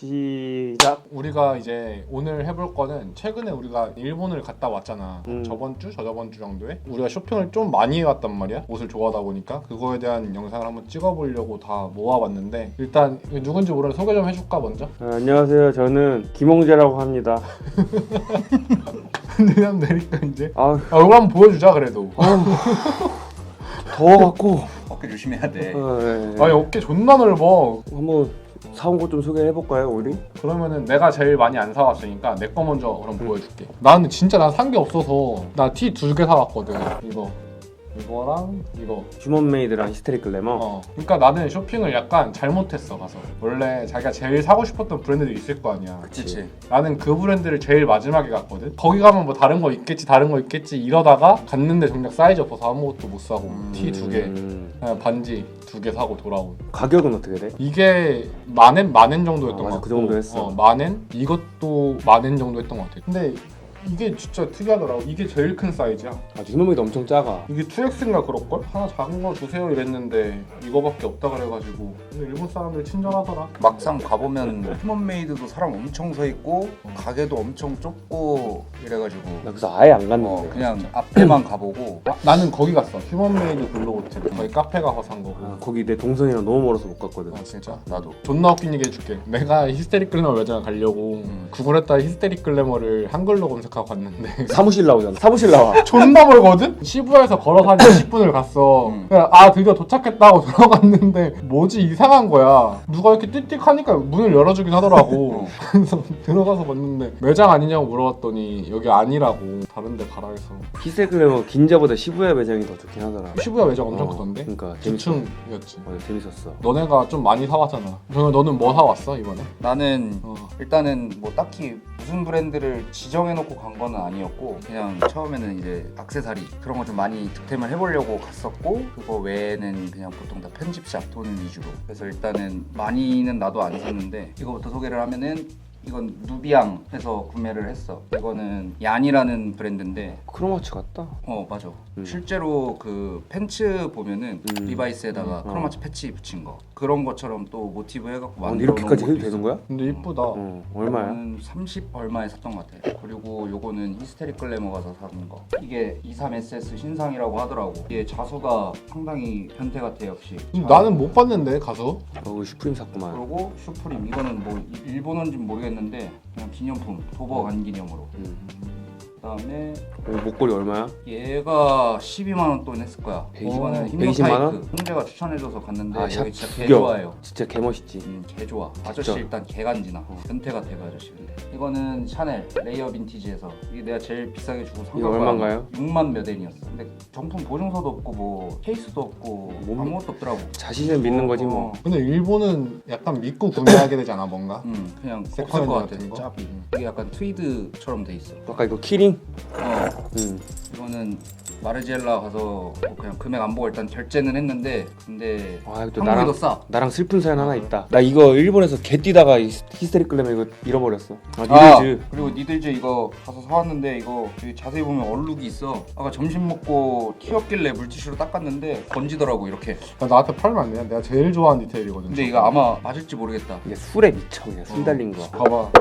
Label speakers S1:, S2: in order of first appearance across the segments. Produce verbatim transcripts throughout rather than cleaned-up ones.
S1: 시작.
S2: 우리가 이제 오늘 해볼 거는 최근에 우리가 일본을 갔다 왔잖아.
S1: 음.
S2: 저번 주, 저저번 주 정도에 우리가 쇼핑을 좀 많이 해왔단 말이야. 옷을 좋아하다 보니까 그거에 대한 영상을 한번 찍어보려고 다 모아봤는데 일단 누군지 모르는 소개 좀 해줄까 먼저?
S1: 아, 안녕하세요. 저는 김홍재라고 합니다.
S2: 그냥 내니까 이제
S1: 아,
S2: 아, 얼굴 한번 보여주자 그래도.
S1: 더워갖고.
S3: 어깨 조심해야 돼.
S1: 어, 네, 네.
S2: 아니 어깨 존나 넓어.
S1: 한번 사온 거 좀 소개해볼까요, 우리?
S2: 그러면은 내가 제일 많이 안 사왔으니까 내 거 먼저 그럼
S1: 음.
S2: 보여줄게. 나는 진짜 난 산 게 없어서 나 티 두 개 사왔거든. 이거 이거랑 이거.
S1: 휴먼메이드랑 히스테릭 글래머.
S2: 어. 그러니까 나는 쇼핑을 약간 잘못했어 가서. 원래 자기가 제일 사고 싶었던 브랜드들이 있을 거 아니야.
S3: 그치.
S2: 나는 그 브랜드를 제일 마지막에 갔거든. 거기 가면 뭐 다른 거 있겠지 다른 거 있겠지 이러다가 갔는데 정작 사이즈 없어서 아무것도 못 사고
S3: 음.
S2: 티 두 개,
S1: 음,
S2: 그냥 반지 두 개 사고 돌아온.
S1: 가격은 어떻게 돼?
S2: 이게 만엔 만엔 정도였던
S1: 아,
S2: 것
S1: 맞아.
S2: 같고
S1: 그 정도 했어.
S2: 어, 만엔 이것도 만엔 정도 했던 것 같아. 근데 이게 진짜 특이하더라고. 이게 제일 큰 사이즈야.
S1: 아, 휴먼메이드 엄청 작아.
S2: 이게 투 엑스인가 그럴걸? 하나 작은 거 주세요 이랬는데 이거밖에 없다 그래가지고. 근데 일본 사람들 친절하더라.
S3: 막상 가보면 휴먼메이드도 사람 엄청 서 있고 가게도 엄청 좁고 이래가지고
S1: 나 그래서 아예 안 갔는데.
S3: 어, 그냥 앞에만 가보고
S2: 아, 나는 거기 갔어. 휴먼메이드 블루 호텔. 거기 카페 가서 산 거고.
S1: 아, 거기 내 동선이랑 너무 멀어서 못 갔거든.
S2: 아 진짜?
S3: 나도
S2: 존나 웃긴 얘기 해줄게. 내가 히스테릭 글래머 매장을 가려고
S3: 음.
S2: 구글에다가 히스테릭 글래머를 한글로 검색하고 갔는데
S1: 사무실 나오잖아. 사무실 나와.
S2: 존나 멀거든? 시부야에서 걸어서 한 이십 분을 갔어.
S3: 음.
S2: 그냥 아 드디어 도착했다고 들어갔는데 뭐지 이상한 거야. 누가 이렇게 띡띡 하니까 문을 열어주긴 하더라고. 그래서 들어가서 봤는데 매장 아니냐고 물어봤더니 여기 아니라고 다른 데 가라 해서.
S1: 히스테릭 글래머 긴자보다 시부야 매장이 더 좋긴 하더라.
S2: 시부야 매장 엄청
S1: 어,
S2: 크던데?
S1: 그러니까 재밌어.
S2: 주층이었지.
S1: 맞아, 재밌었어.
S2: 너네가 좀 많이 사왔잖아. 정현 너는 뭐 사왔어 이번에?
S3: 나는
S2: 어.
S3: 일단은 뭐 딱히 무슨 브랜드를 지정해놓고 간 거는 아니었고 그냥 처음에는 이제 액세서리 그런 거 좀 많이 득템을 해보려고 갔었고 그거 외에는 그냥 보통 다 편집샵 도는 위주로 그래서 일단은 많이는 나도 안 샀는데 이거부터 소개를 하면은 이건 누비앙 해서 구매를 했어. 이거는 얀이라는 브랜드인데
S1: 크로마츠 같다.
S3: 어 맞아.
S1: 음.
S3: 실제로 그 팬츠 보면은
S1: 음.
S3: 리바이스에다가
S1: 음.
S3: 크로마츠 패치 붙인 거 그런 것처럼 또 모티브 해갖고
S1: 아, 근데
S3: 만들어
S1: 이렇게까지
S3: 놓은
S1: 해도
S3: 것도
S1: 되는
S3: 있어.
S1: 거야?
S2: 근데 이쁘다.
S1: 어, 얼마야?
S3: 이거는 삼십 얼마에 샀던 것 같아. 그리고 요거는 히스테릭 글래머 가서 사는 거. 이게 이십삼 에스에스 신상이라고 하더라고. 이게 자수가 상당히 변태 같아 역시.
S2: 음, 나는 못 봤는데 가서.
S1: 어, 슈프림 샀구만.
S3: 그리고 슈프림 이거는 뭐 이- 일본어인지는 모르겠는데 그냥 기념품 도버 간 기념으로.
S1: 음.
S3: 그다음에
S1: 어, 목걸이 얼마야?
S3: 얘가 십이만 원 돈 했을 거야.
S1: 백이십
S3: 이거는
S1: 백이십만 원?
S3: 힘노타이크. 홍재가 추천해줘서 갔는데
S1: 아,
S3: 여기
S1: 샵
S3: 진짜 개
S1: 구경.
S3: 좋아해요.
S1: 진짜 개멋있지.
S3: 음, 개 좋아. 아저씨
S1: 진짜.
S3: 일단 개간지나.
S1: 어.
S3: 변태 같아 그 아저씨 근데. 이거는 샤넬 레이어 빈티지에서 이게 내가 제일 비싸게 주고 산
S1: 이거
S3: 거야.
S1: 얼마인가요?
S3: 육만 몇 엔이었어. 근데 정품 보증서도 없고 뭐 케이스도 없고
S1: 뭐,
S3: 아무것도 없더라고.
S1: 자신을 믿는 거지 뭐.
S3: 어.
S2: 근데 일본은 약간 믿고 구매하게 되지 않아 뭔가?
S3: 음, 그냥 없을
S2: 세컨핸드
S3: 것 같아.
S2: 같은 거?
S3: 짭이. 이게 약간 트위드처럼 돼 있어.
S1: 아까 이거 키링?
S3: 어,
S1: 응.
S3: 이거는 마르지엘라 가서 뭐 그냥 금액 안 보고 일단 결제는 했는데 근데
S1: 아, 이거 또
S3: 한국이
S1: 나랑
S3: 더 싸.
S1: 나랑 슬픈 사연 하나
S2: 아,
S1: 있다. 나 이거 일본에서 개 뛰다가 이 히스테릭 글래머 이거 잃어버렸어. 아,
S3: 아,
S1: 니들즈.
S3: 그리고 니들즈 이거 가서 사왔는데 이거 여기 자세히 보면 얼룩이 있어. 아까 점심 먹고 튀었길래 물티슈로 닦았는데 번지더라고 이렇게.
S2: 나 나한테 팔면 안 돼. 내가 제일 좋아하는 디테일이거든.
S3: 근데 이거 아마 맞을지 모르겠다.
S1: 이게 술에 미쳐 그냥 술 달린 거.
S2: 봐봐.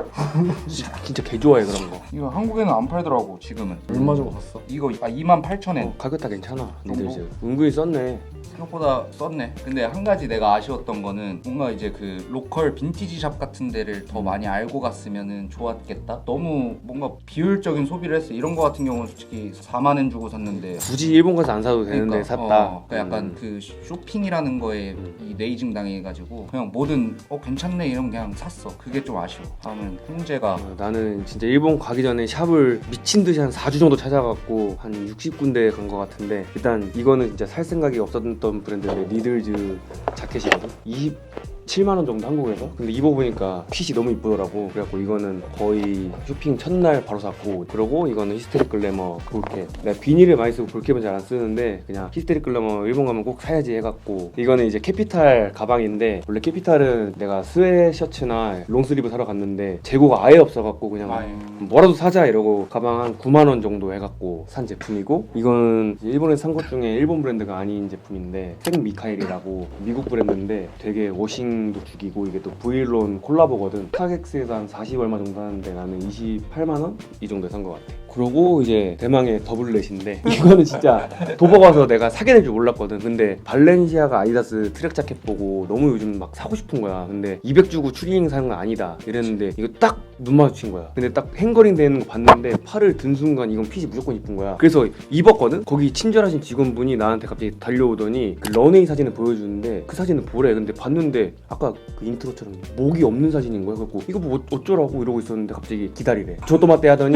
S1: 진짜 개 좋아해 그런 거.
S3: 이거 한국에는 안 팔더라고 지금은.
S2: 얼마 주고 샀어?
S3: 이거 아 이만 팔천 엔.
S1: 어, 가격 다 괜찮아.
S3: 정도?
S1: 니들즈. 은근히 썼네.
S3: 생각보다 썼네. 근데 한 가지 내가 아쉬웠던 거는 뭔가 이제 그 로컬 빈티지 샵 같은 데를 더 많이 알고 갔으면은 좋았겠다. 너무 뭔가 비효율적인 소비를 했어. 이런 거 같은 경우는 솔직히 사만 엔 주고 샀는데
S1: 굳이 일본 가서 안 사도 되는데
S3: 그러니까,
S1: 샀다.
S3: 어, 그러니까 약간
S1: 음.
S3: 그 쇼핑이라는 거에
S1: 음.
S3: 이 네이징 당해가지고 그냥 뭐든 어 괜찮네 이러면 그냥 샀어. 그게 좀 아쉬워. 다음은 홍재가
S1: 어, 나는 진짜 일본 가기 전에 샵을 미친 듯이 한 사 주 정도 찾아갔고 한 육십 군데 간 것 같은데 일단 이거는 진짜 살 생각이 없었던 브랜드인데 니들즈 자켓이거든. 이십칠만 원 정도 한국에서. 근데 입어보니까 핏이 너무 이쁘더라고. 그래갖고 이거는 거의 쇼핑 첫날 바로 샀고, 그리고 이거는 히스테릭 글래머 볼캡. 내가 비닐을 많이 쓰고 볼캡은 잘 안 쓰는데 그냥 히스테릭 글래머 일본 가면 꼭 사야지 해갖고. 이거는 이제 캐피탈 가방인데 원래 캐피탈은 내가 스웨셔츠나 롱슬리브 사러 갔는데 재고가 아예 없어갖고 그냥
S3: 아유.
S1: 뭐라도 사자 이러고 가방 한 구만 원 정도 해갖고 산 제품이고, 이거는 일본에서 산 것 중에 일본 브랜드가 아닌 제품인데 생 미카엘이라고 미국 브랜드인데 되게 워싱 느낌도 죽이고 이게 또 브이론 콜라보거든. 스타렉스에서 한 사십 얼마 정도 하는데 나는 이십팔만 원? 이 정도에 산 것 같아. 그러고 이제 대망의 더블렛인데 이거는 진짜 도버 가서 내가 사게 될 줄 몰랐거든. 근데 발렌시아가 아디다스 트랙 자켓 보고 너무 요즘 막 사고 싶은 거야. 근데 이백 주고 추리닝 사는 건 아니다 이랬는데 이거 딱 눈 마주친 거야. 근데 딱 행거링 되는 거 봤는데 팔을 든 순간 이건 핏이 무조건 이쁜 거야. 그래서 입었거든? 거기 친절하신 직원분이 나한테 갑자기 달려오더니 그 런웨이 사진을 보여주는데 그 사진을 보래. 근데 봤는데 아까 그 인트로처럼 목이 없는 사진인 거야. 그래서 이거 뭐 어쩌라고 이러고 있었는데 갑자기 기다리래. 저도 맞대 하더니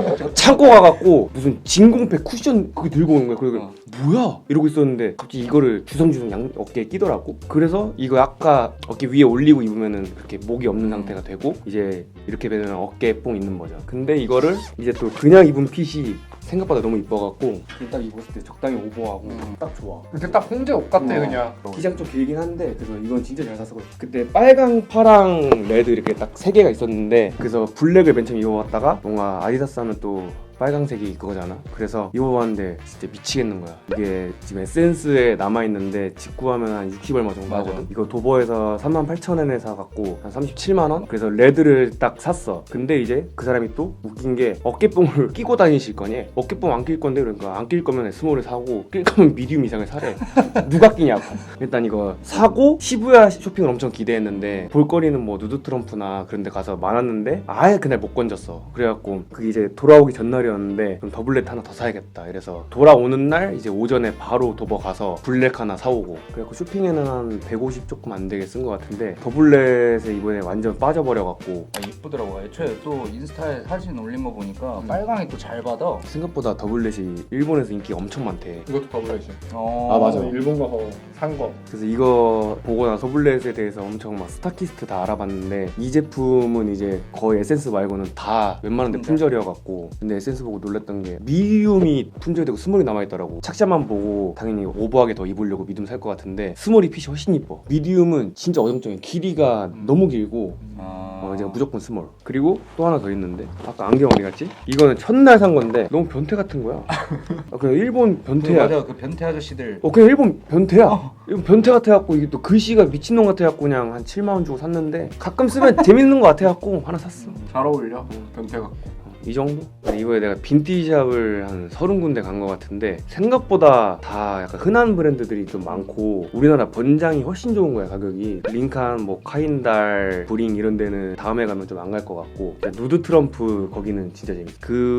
S1: 창고 가갖고 무슨 진공팩 쿠션 그거 들고 오는 거야. 그래서
S3: 어.
S1: 뭐야? 이러고 있었는데 갑자기 이거를 주섬주섬 양 어깨에 끼더라고. 그래서 이거 아까 어깨 위에 올리고 입으면은 그렇게 목이 없는 상태가 되고 이제 이렇게 되면 어깨에 뽕 있는 거죠. 근데 이거를 이제 또 그냥 입은 핏이 생각보다 너무 이뻐갖고 딱 입었을 때 적당히 오버하고
S3: 음.
S1: 딱 좋아.
S2: 근데 딱 홍제 옷 같아
S1: 어.
S2: 그냥.
S1: 기장 좀 길긴 한데 그래서 이건 진짜 잘 샀어. 그때 빨강, 파랑, 레드 이렇게 딱 세 개가 있었는데 그래서 블랙을 맨 처음 입어봤다가 뭔가 아디다스 하면 또 빨강색이 그거잖아. 그래서 입어봤는데 진짜 미치겠는 거야. 이게 지금 에센스에 남아있는데 직구하면 한 육십 얼마 정도
S3: 맞아.
S1: 하거든. 이거 도버에서 삼만 팔천 원에 사갖고 한 삼십칠만 원? 그래서 레드를 딱 샀어. 근데 이제 그 사람이 또 웃긴 게 어깨뽕을 끼고 다니실 거니? 어깨뽕 안 낄 건데 그러니까 안 낄 거면 스몰을 사고 낄 거면 미디움 이상을 사래. 누가 끼냐고. 일단 이거 사고 시부야 쇼핑을 엄청 기대했는데 볼거리는 뭐 누드 트럼프나 그런 데 가서 많았는데 아예 그날 못 건졌어. 그래갖고 그게 이제 돌아오기 전날이었는데 그럼 더블렛 하나 더 사야겠다. 이래서 돌아오는 날 이제 오전에 바로 도버 가서 블랙 하나 사오고 그래갖고 쇼핑에는 한 백오십 조금 안 되게 쓴 것 같은데 더블렛에 이번에 완전 빠져버려갖고
S3: 아, 이쁘더라고. 애초에 또 인스타에 사진 올린 거 보니까
S2: 음.
S3: 빨강이 또 잘 받아.
S1: 생각보다 더블렛이 일본에서 인기가 엄청 많대.
S2: 이것도 더블렛이.
S3: 어.
S1: 아, 맞아.
S2: 일본 가서 산 거.
S1: 그래서 이거 보고 나서 더블렛에 대해서 엄청 막 스타키스트 다 알아봤는데 이 제품은 이제 거의 에센스 말고는 다 웬만한 데
S3: 품절.
S1: 품절이어갖고 근데 에센스 보고 놀랐던 게 미디움이 품절되고 스몰이 남아있더라고. 착샷만 보고 당연히 오버하게 더 입으려고 미디움 살 것 같은데 스몰이 핏이 훨씬 이뻐. 미디움은 진짜 어정쩡해. 길이가
S2: 음.
S1: 너무 길고
S3: 아.
S1: 어, 제가 무조건 스몰. 그리고 또 하나 더 있는데 아까 안경 어디 갔지? 이거는 첫날 산 건데 너무 변태 같은 거야. 아, 그냥 일본
S3: 그
S1: 변태야.
S3: 맞아. 그 변태 아저씨들.
S1: 어 그냥 일본 변태야. 일본 변태 같아갖고 이게 또 글씨가 미친놈 같아갖고 그냥 한 칠만 원 주고 샀는데 가끔 쓰면 재밌는 거 같아갖고 하나 샀어.
S2: 잘 어울려. 변태 같고.
S1: 이 정도? 이번에 내가 빈티지샵을 한 서른 군데 간 것 같은데 생각보다 다 약간 흔한 브랜드들이 좀 많고 우리나라 번장이 훨씬 좋은 거야. 가격이 링칸, 뭐 카인달, 브링 이런 데는 다음에 가면 좀 안 갈 것 같고 누드 트럼프 거기는 진짜 재밌어.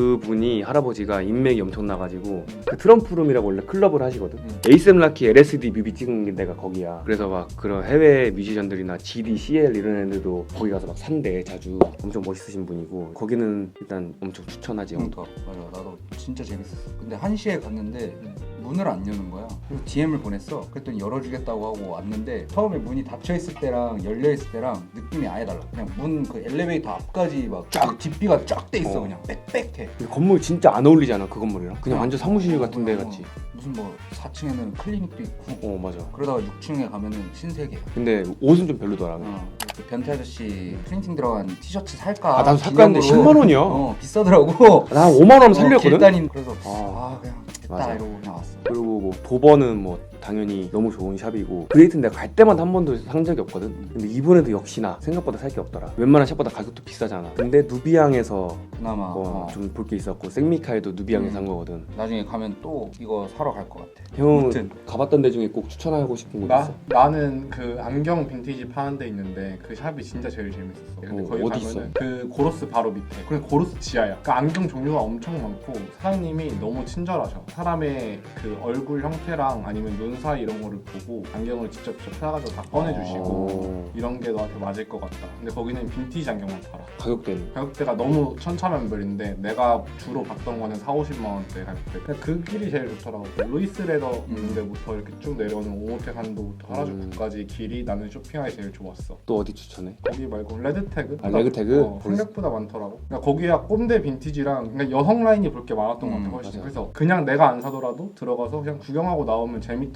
S1: 그분이 할아버지가 인맥이 엄청 나가지고 그 트럼프룸이라고 원래 클럽을 하시거든.
S2: 음.
S1: 에이셈 라키 엘에스디 뮤비 찍은 게 내가 거기야. 그래서 막 그런 해외 뮤지션들이나 지디, 씨엘 이런 애들도 거기 가서 막 산대 자주. 엄청 멋있으신 분이고 거기는 일단 엄청 추천하지. 형.
S3: 그러니까 맞아. 나도 진짜 재밌었어. 근데 한 시에 갔는데 문을 안 여는 거야. 그래서 디엠을 보냈어. 그랬더니 열어주겠다고 하고 왔는데 처음에 문이 닫혀 있을 때랑 열려 있을 때랑 느낌이 아예 달라. 그냥 문 그 엘리베이터 앞까지 막 쫙 뒷비가 쫙 돼 있어.
S1: 어.
S3: 그냥 빽빽해.
S1: 근데 건물 진짜 안 어울리잖아 그 건물이랑. 그냥
S3: 어.
S1: 완전 사무실 같은 데
S3: 어,
S1: 같지.
S3: 무슨 뭐 사 층에는 클리닉도 있고
S1: 어 맞아.
S3: 그러다가 육 층에 가면은 신세계.
S1: 근데 옷은 좀 별로더라.
S3: 어, 그 변태 아저씨 프린팅 들어간 티셔츠 살까?
S1: 아 나도 샀는데
S3: 기념으로.
S1: 십만 원이야.
S3: 어 비싸더라고.
S1: 나 오만 원
S3: 어,
S1: 살렸거든.
S3: 길다닌 그래서
S1: 아.
S3: 아, 그냥 됐다
S1: 맞아.
S3: 이러고 그냥 왔어.
S1: 그리고 뭐 도버는 뭐 당연히 너무 좋은 샵이고 그레이트는 내가 갈 때마다 한 번도 산 적이 없거든. 근데 이번에도 역시나 생각보다 살 게 없더라. 웬만한 샵보다 가격도 비싸잖아. 근데 누비앙에서
S3: 그나마
S1: 뭐
S3: 어.
S1: 좀 볼 게 있었고 생미카엘도 누비앙에서
S3: 음.
S1: 산 거거든.
S3: 나중에 가면 또 이거 사러 갈 것 같아.
S1: 형은
S3: 아무튼.
S1: 가봤던 데 중에 꼭 추천하고 싶은 곳
S2: 나
S1: 있어?
S2: 나는 그 안경 빈티지 파는 데 있는데 그 샵이 진짜 제일 재밌었어. 근데
S1: 어,
S2: 거기
S1: 어디
S2: 가면은 그 고로스 바로 밑에. 그래 고로스 지하야. 그 안경 종류가 엄청 많고 사장님이 너무 친절하셔. 사람의 그 얼굴 형태랑 아니면 눈 사이 이런 거를 보고 안경을 직접 직접 사가지고 다 꺼내주시고
S1: 어.
S2: 이런 게 너한테 맞을 것 같다. 근데 거기는 빈티지 안경만 팔아.
S1: 가격대는?
S2: 가격대가 너무 천차만별인데 내가 주로 봤던 거는 사오십만 원대 가격대. 그냥 그 길이 제일 좋더라고. 루이스 레더 있는 데부터 이렇게 쭉 내려오는 오모테 간도부터 하라주쿠까지 길이 나는 쇼핑하기 제일 좋았어.
S1: 또 어디 추천해?
S2: 거기 말고 레드태그?
S1: 아, 레드태그?
S2: 어, 생각보다 많더라고. 그러니까 거기야 꼼데 빈티지랑 그러니까 여성 라인이 볼 게 많았던 것 같아
S3: 음,
S2: 훨씬.
S1: 맞아.
S2: 그래서 그냥 내가 안 사더라도 들어가서 그냥 구경하고 나오면 재밌더라고.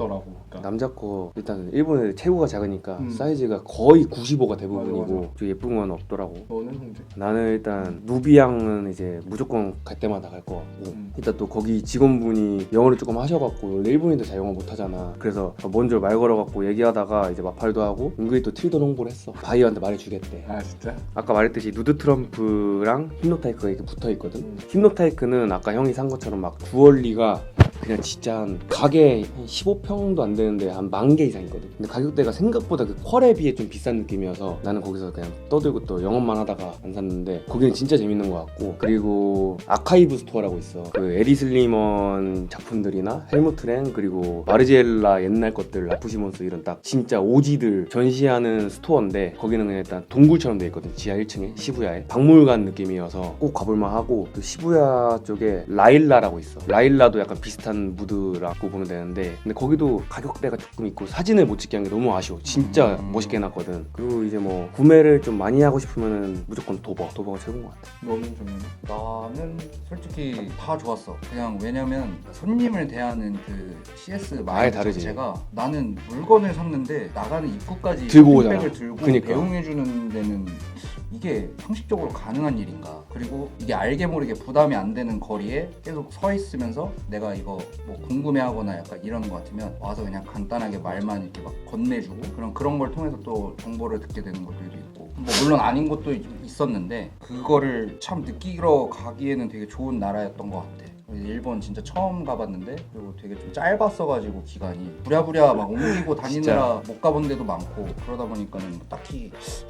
S2: 있더라고. 그러니까
S1: 남자 거 일단 일본에 체구가 작으니까
S2: 음.
S1: 사이즈가 거의 구십오가 대부분이고
S2: 맞아, 맞아.
S1: 좀 예쁜 건 없더라고.
S2: 너는 홍재?
S1: 나는 일단 누비앙은 이제 무조건 갈 때마다 갈 것 같고
S2: 음.
S1: 일단 또 거기 직원분이 영어를 조금 하셔갖고 원래 일본인들 잘 영어 못하잖아. 그래서 먼저 말 걸어갖고 얘기하다가 이제 마팔도 하고 은근히 또 틸돈 홍보를 했어. 바이어한테 말해주겠대.
S2: 아 진짜?
S1: 아까 말했듯이 누드 트럼프랑 힙노타이크가 이렇게 붙어있거든.
S2: 음.
S1: 힙노타이크는 아까 형이 산 것처럼 막 주얼리가 그냥 진짜 한 가게 한 십오 평도 안 되는데 한 만 개 이상 있거든. 근데 가격대가 생각보다 그 퀄에 비해 좀 비싼 느낌이어서 나는 거기서 그냥 떠들고 또 영업만 하다가 안 샀는데 거기는 진짜 재밌는 것 같고. 그리고 아카이브 스토어라고 있어. 그 에디 슬리먼 작품들이나 헬무트 랭 그리고 마르지엘라 옛날 것들 라프시몬스 이런 딱 진짜 오지들 전시하는 스토어인데 거기는 그냥 일단 동굴처럼 돼 있거든. 지하 일 층에 시부야에 박물관 느낌이어서 꼭 가볼만 하고. 또 시부야 쪽에 라일라라고 있어. 라일라도 약간 비슷한 무드라고 보면 되는데 근데 거기도 가격대가 조금 있고 사진을 못 찍게 한 게 너무 아쉬워. 진짜
S2: 음.
S1: 멋있게 해놨거든. 그리고 이제 뭐 구매를 좀 많이 하고 싶으면은 무조건 도버 도버가 최고인 것 같아.
S2: 너는 좀
S3: 나는 솔직히 다 좋았어. 그냥 왜냐면 손님을 대하는 그 씨에스
S1: 아예
S3: 마인드
S1: 다르지.
S3: 자체가 나는 물건을 샀는데 나가는 입구까지
S1: 들고 오잖아.
S3: 백을 들고
S1: 그니까.
S3: 배웅해주는 데는 이게 상식적으로 가능한 일인가? 그리고 이게 알게 모르게 부담이 안 되는 거리에 계속 서 있으면서 내가 이거 뭐 궁금해하거나 약간 이런 거 같으면 와서 그냥 간단하게 말만 이렇게 막 건네주고 그런 그런 걸 통해서 또 정보를 듣게 되는 것들도 있고 뭐 물론 아닌 것도 있- 있었는데 그거를 참 느끼러 가기에는 되게 좋은 나라였던 것 같아. 일본 진짜 처음 가봤는데 그리고 되게 좀 짧았어가지고 기간이 부랴부랴 막 옮기고 다니느라 못 가본 데도 많고 그러다 보니까는 딱히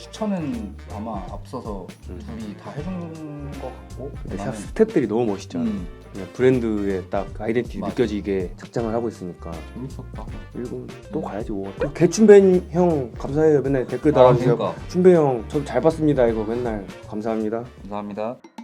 S3: 추천은 아마 앞서서
S1: 음.
S3: 둘이 다 해준 것 같고
S1: 근데 샵
S3: 나는
S1: 스텝들이 너무 멋있잖아.
S3: 음,
S1: 그냥 브랜드의 딱 아이덴티티
S3: 맞아.
S1: 느껴지게 착장을 하고 있으니까
S2: 재밌었다.
S1: 일본 또 가야지 뭐. 또 개춘배 형 감사해요. 맨날 댓글 달아주세요.
S3: 그러니까.
S1: 춘배 형 저도 잘 봤습니다. 이거 맨날 감사합니다.
S3: 감사합니다.